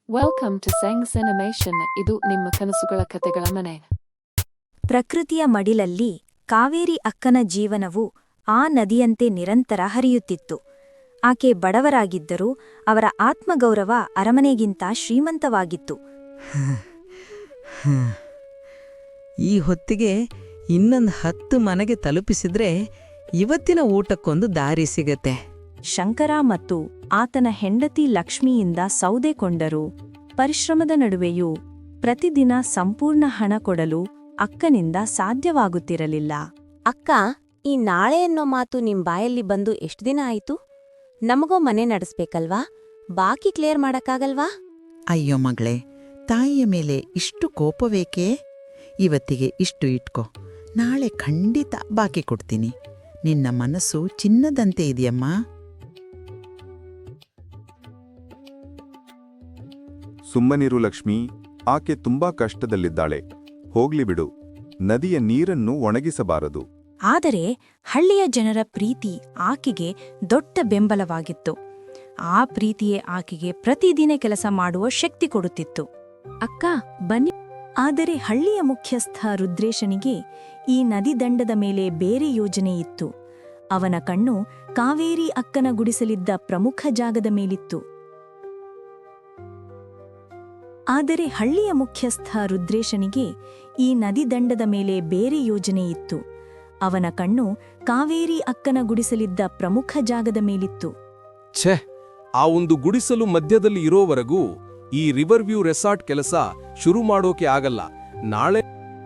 Welcome to ಸೆಂಗ್ಸ್ animation. ಇದು ನಿಮ್ಮ ಕನಸುಗಳ ಕತೆಗಳ ಮನೆ. ಪ್ರಕೃತಿಯ ಮಡಿಲಲ್ಲಿ ಕಾವೇರಿ ಅಕ್ಕನ ಜೀವನವು ಆ ನದಿಯಂತೆ ನಿರಂತರ ಹರಿಯುತ್ತಿತ್ತು. ಆಕೆ ಬಡವರಾಗಿದ್ದರೂ ಅವರ ಆತ್ಮಗೌರವ ಅರಮನೆಗಿಂತ ಶ್ರೀಮಂತವಾಗಿತ್ತು. ಈ ಹೊತ್ತಿಗೆ ಇನ್ನೊಂದು 10 ಮನೆಗೆ ತಲುಪಿಸಿದ್ರೆ ಇವತ್ತಿನ ಊಟಕ್ಕೊಂದು ದಾರಿ ಸಿಗತ್ತೆ. ಶಂಕರ ಮತ್ತು ಆತನ ಹೆಂಡತಿ ಲಕ್ಷ್ಮಿಯಿಂದ ಸೌದೆ ಕೊಂಡರು. ಪರಿಶ್ರಮದ ನಡುವೆಯೂ ಪ್ರತಿದಿನ ಸಂಪೂರ್ಣ ಹಣ ಕೊಡಲು ಅಕ್ಕನಿಂದ ಸಾಧ್ಯವಾಗುತ್ತಿರಲಿಲ್ಲ. ಅಕ್ಕ, ಈ ನಾಳೆ ಅನ್ನೋ ಮಾತು ನಿಮ್ ಬಾಯಲ್ಲಿ ಬಂದು ಎಷ್ಟು ದಿನ ಆಯ್ತು? ನಮಗೋ ಮನೆ ನಡೆಸ್ಬೇಕಲ್ವಾ? ಬಾಕಿ ಕ್ಲಿಯರ್ ಮಾಡಕ್ಕಾಗಲ್ವಾ? ಅಯ್ಯೋ ಮಗಳೇ, ತಾಯಿಯ ಮೇಲೆ ಇಷ್ಟು ಕೋಪವೇಕೆ? ಇವತ್ತಿಗೆ ಇಷ್ಟು ಇಟ್ಕೋ, ನಾಳೆ ಖಂಡಿತ ಬಾಕಿ ಕೊಡ್ತೀನಿ. ನಿನ್ನ ಮನಸ್ಸು ಚಿನ್ನದಂತೆ ಇದೆಯಮ್ಮ. ಸುಮ್ಮನಿರು ಲಕ್ಷ್ಮಿ, ಆಕೆ ತುಂಬಾ ಕಷ್ಟದಲ್ಲಿದ್ದಾಳೆ. ಹೋಗ್ಲಿ ಬಿಡು, ನದಿಯ ನೀರನ್ನು ಒಣಗಿಸಬಾರದು. ಆದರೆ ಹಳ್ಳಿಯ ಜನರ ಪ್ರೀತಿ ಆಕೆಗೆ ದೊಡ್ಡ ಬೆಂಬಲವಾಗಿತ್ತು. ಆ ಪ್ರೀತಿಯೇ ಆಕೆಗೆ ಪ್ರತಿದಿನ ಕೆಲಸ ಮಾಡುವ ಶಕ್ತಿ ಕೊಡುತ್ತಿತ್ತು. ಅಕ್ಕ ಬನ್ನಿ. ಆದರೆ ಹಳ್ಳಿಯ ಮುಖ್ಯಸ್ಥ ರುದ್ರೇಶನಿಗೆ ಈ ನದಿ ದಂಡದ ಮೇಲೆ ಬೇರೆ ಯೋಜನೆ ಇತ್ತು. ಅವನ ಕಣ್ಣು ಕಾವೇರಿ ಅಕ್ಕನ ಗುಡಿಸಲಿದ್ದ ಪ್ರಮುಖ ಜಾಗದ ಮೇಲಿತ್ತು. ಆದರೆ ಹಳ್ಳಿಯ ಮುಖ್ಯಸ್ಥ ರುದ್ರೇಶನಿಗೆ ಈ ನದಿ ದಂಡದ ಮೇಲೆ ಬೇರೆ ಯೋಜನೆ ಇತ್ತು. ಅವನ ಕಣ್ಣು ಕಾವೇರಿ ಅಕ್ಕನ ಗುಡಿಸಲಿದ್ದ ಪ್ರಮುಖ ಜಾಗದ ಮೇಲಿತ್ತು. ಛೆ, ಆ ಒಂದು ಗುಡಿಸಲು ಮಧ್ಯದಲ್ಲಿ ಇರೋವರೆಗೂ ಈ ರಿವರ್ ವ್ಯೂ ರೆಸಾರ್ಟ್ ಕೆಲಸ ಶುರು ಮಾಡೋಕೆ ಆಗಲ್ಲ. ನಾಳೆ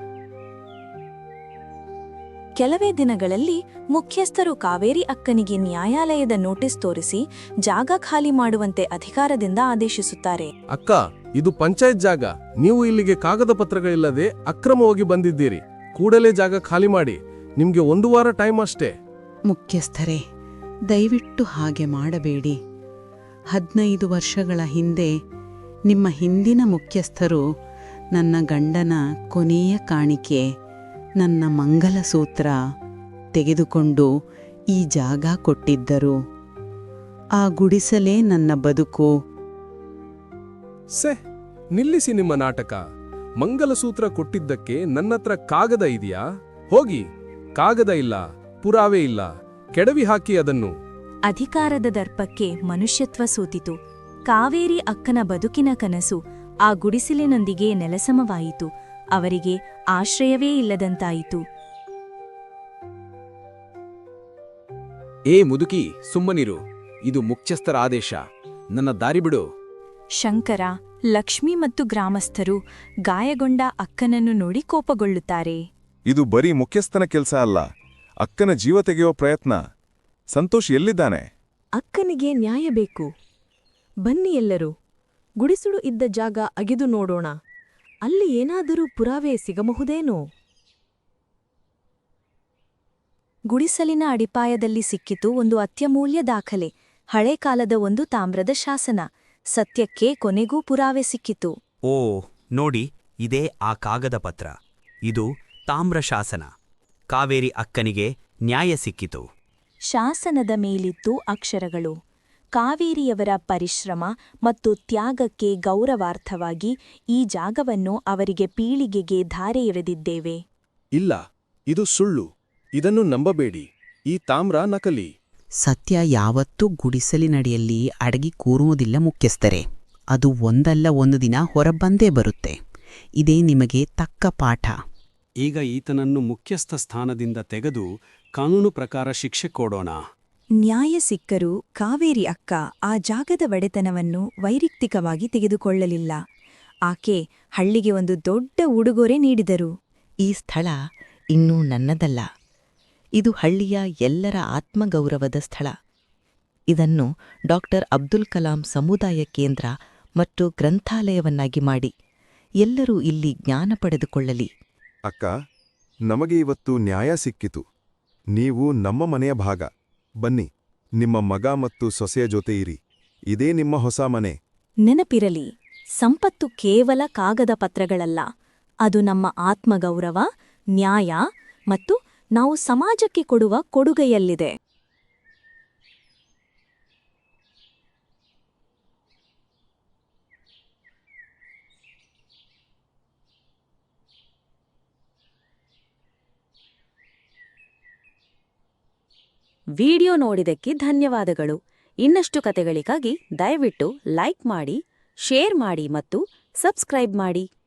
ಕೆಲವೇ ದಿನಗಳಲ್ಲಿ ಮುಖ್ಯಸ್ಥರು ಕಾವೇರಿ ಅಕ್ಕನಿಗೆ ನ್ಯಾಯಾಲಯದ ನೋಟಿಸ್ ತೋರಿಸಿ ಜಾಗ ಖಾಲಿ ಮಾಡುವಂತೆ ಅಧಿಕಾರದಿಂದ ಆದೇಶಿಸುತ್ತಾರೆ. ಅಕ್ಕ, ಇದು ಪಂಚಾಯತ್ ಜಾಗ. ನೀವು ಇಲ್ಲಿಗೆ ಕಾಗದ ಪತ್ರಗಳಿಲ್ಲದೆ ಅಕ್ರಮವಾಗಿ ಬಂದಿದ್ದೀರಿ. ಕೂಡಲೇ ಜಾಗ ಖಾಲಿ ಮಾಡಿ. ನಿಮ್ಗೆ 1 ವಾರ ಟೈಮ್ ಅಷ್ಟೇ. ಮುಖ್ಯಸ್ಥರೇ, ದಯವಿಟ್ಟು ಹಾಗೆ ಮಾಡಬೇಡಿ. 15 ವರ್ಷಗಳ ಹಿಂದೆ ನಿಮ್ಮ ಹಿಂದಿನ ಮುಖ್ಯಸ್ಥರು ನನ್ನ ಗಂಡನ ಕೊನೆಯ ಕಾಣಿಕೆ, ನನ್ನ ಮಂಗಲಸೂತ್ರ ತೆಗೆದುಕೊಂಡು ಈ ಜಾಗ ಕೊಟ್ಟಿದ್ದರು. ಆ ಗುಡಿಸಲೇ ನನ್ನ ಬದುಕು. ಸೆ, ನಿಲ್ಲಿಸಿ ನಿಮ್ಮ ನಾಟಕ. ಮಂಗಲಸೂತ್ರ ಕೊಟ್ಟಿದ್ದಕ್ಕೆ ನನ್ನತ್ರ ಕಾಗದ ಇದೆಯಾ? ಹೋಗಿ, ಕಾಗದ ಇಲ್ಲ, ಪುರಾವೆ ಇಲ್ಲ, ಕೆಡವಿ ಹಾಕಿ ಅದನ್ನು. ಅಧಿಕಾರದ ದರ್ಪಕ್ಕೆ ಮನುಷ್ಯತ್ವ ಸೋತಿತು. ಕಾವೇರಿ ಅಕ್ಕನ ಬದುಕಿನ ಕನಸು ಆ ಗುಡಿಸಲಿನೊಂದಿಗೆ ನೆಲಸಮವಾಯಿತು. ಅವರಿಗೆ ಆಶ್ರಯವೇ ಇಲ್ಲದಂತಾಯಿತು. ಏ ಮುದುಕಿ, ಸುಮ್ಮನಿರು. ಇದು ಮುಖ್ಯಸ್ಥರ ಆದೇಶ. ನನ್ನ ದಾರಿ ಬಿಡು. ಶಂಕರ, ಲಕ್ಷ್ಮಿ ಮತ್ತು ಗ್ರಾಮಸ್ಥರು ಗಾಯಗೊಂಡ ಅಕ್ಕನನ್ನು ನೋಡಿ ಕೋಪಗೊಳ್ಳುತ್ತಾರೆ. ಇದು ಬರೀ ಮುಖ್ಯಸ್ಥನ ಕೆಲಸ ಅಲ್ಲ, ಅಕ್ಕನ ಜೀವ ತೆಗೆಯೋ ಪ್ರಯತ್ನ. ಸಂತೋಷ್ ಎಲ್ಲಿದ್ದಾನೆ? ಅಕ್ಕನಿಗೆ ನ್ಯಾಯ ಬೇಕು. ಬನ್ನಿ ಎಲ್ಲರೂ, ಗುಡಿಸಲು ಇದ್ದ ಜಾಗ ಅಗೆದು ನೋಡೋಣ. ಅಲ್ಲಿ ಏನಾದರೂ ಪುರಾವೆ ಸಿಗಬಹುದೇನೋ? ಗುಡಿಸಲಿನ ಅಡಿಪಾಯದಲ್ಲಿ ಸಿಕ್ಕಿತು ಒಂದು ಅತ್ಯಮೂಲ್ಯ ದಾಖಲೆ. ಹಳೆ ಕಾಲದ ಒಂದು ತಾಮ್ರದ ಶಾಸನ. ಸತ್ಯಕ್ಕೆ ಕೊನೆಗೂ ಪುರಾವೆ ಸಿಕ್ಕಿತು. ಓ ನೋಡಿ, ಇದೇ ಆ ಕಾಗದ ಪತ್ರ. ಇದು ತಾಮ್ರ ಶಾಸನ. ಕಾವೇರಿ ಅಕ್ಕನಿಗೆ ನ್ಯಾಯ ಸಿಕ್ಕಿತು. ಶಾಸನದ ಮೇಲಿತ್ತು ಅಕ್ಷರಗಳು. ಕಾವೇರಿಯವರ ಪರಿಶ್ರಮ ಮತ್ತು ತ್ಯಾಗಕ್ಕೆ ಗೌರವಾರ್ಥವಾಗಿ ಈ ಜಾಗವನ್ನು ಅವರಿಗೆ ಪೀಳಿಗೆಗೆ ಧಾರೆ ಎರೆದಿದ್ದೇವೆ. ಇಲ್ಲ, ಇದು ಸುಳ್ಳು. ಇದನ್ನು ನಂಬಬೇಡಿ. ಈ ತಾಮ್ರ ನಕಲಿ. ಸತ್ಯ ಯಾವತ್ತೂ ಗುಡಿಸಲಿನಡಿಯಲ್ಲಿ ಅಡಗಿ ಕೂರುವುದಿಲ್ಲ ಮುಖ್ಯಸ್ಥರೇ. ಅದು ಒಂದಲ್ಲ ಒಂದು ದಿನ ಹೊರಬಂದೇ ಬರುತ್ತೆ. ಇದೇ ನಿಮಗೆ ತಕ್ಕ ಪಾಠ. ಈಗ ಈತನನ್ನು ಮುಖ್ಯಸ್ಥ ಸ್ಥಾನದಿಂದ ತೆಗೆದು ಕಾನೂನು ಪ್ರಕಾರ ಶಿಕ್ಷೆ ಕೊಡೋಣ. ನ್ಯಾಯ ಸಿಕ್ಕರೂ ಕಾವೇರಿ ಅಕ್ಕ ಆ ಜಾಗದ ಒಡೆತನವನ್ನು ವೈಯಕ್ತಿಕವಾಗಿ ತೆಗೆದುಕೊಳ್ಳಲಿಲ್ಲ. ಆಕೆ ಹಳ್ಳಿಗೆ ಒಂದು ದೊಡ್ಡ ಉಡುಗೊರೆ ನೀಡಿದರು. ಈ ಸ್ಥಳ ಇನ್ನೂ ನನ್ನದಲ್ಲ. ಇದು ಹಳ್ಳಿಯ ಎಲ್ಲರ ಆತ್ಮಗೌರವದ ಸ್ಥಳ. ಇದನ್ನು ಡಾಕ್ಟರ್ ಅಬ್ದುಲ್ ಕಲಾಂ ಸಮುದಾಯ ಕೇಂದ್ರ ಮತ್ತು ಗ್ರಂಥಾಲಯವನ್ನಾಗಿ ಮಾಡಿ ಎಲ್ಲರೂ ಇಲ್ಲಿ ಜ್ಞಾನ ಪಡೆದುಕೊಳ್ಳಲಿ. ಅಕ್ಕ, ನಮಗೆ ಇವತ್ತು ನ್ಯಾಯ ಸಿಕ್ಕಿತು. ನೀವು ನಮ್ಮ ಮನೆಯ ಭಾಗ. ಬನ್ನಿ, ನಿಮ್ಮ ಮಗ ಮತ್ತು ಸೊಸೆಯ ಜೊತೆ ಇರಿ. ಇದೇ ನಿಮ್ಮ ಹೊಸ ಮನೆ. ನೆನಪಿರಲಿ, ಸಂಪತ್ತು ಕೇವಲ ಕಾಗದ ಪತ್ರಗಳಲ್ಲ. ಅದು ನಮ್ಮ ಆತ್ಮಗೌರವ, ನ್ಯಾಯ ಮತ್ತು ನಾವು ಸಮಾಜಕ್ಕೆ ಕೊಡುವ ಕೊಡುಗೆಯಲ್ಲಿದೆ. ವಿಡಿಯೋ ನೋಡಿದ್ದಕ್ಕೆ ಧನ್ಯವಾದಗಳು. ಇನ್ನಷ್ಟು ಕತೆಗಳಿಗಾಗಿ ದಯವಿಟ್ಟು ಲೈಕ್ ಮಾಡಿ, ಶೇರ್ ಮಾಡಿ ಮತ್ತು ಸಬ್ಸ್ಕ್ರೈಬ್ ಮಾಡಿ.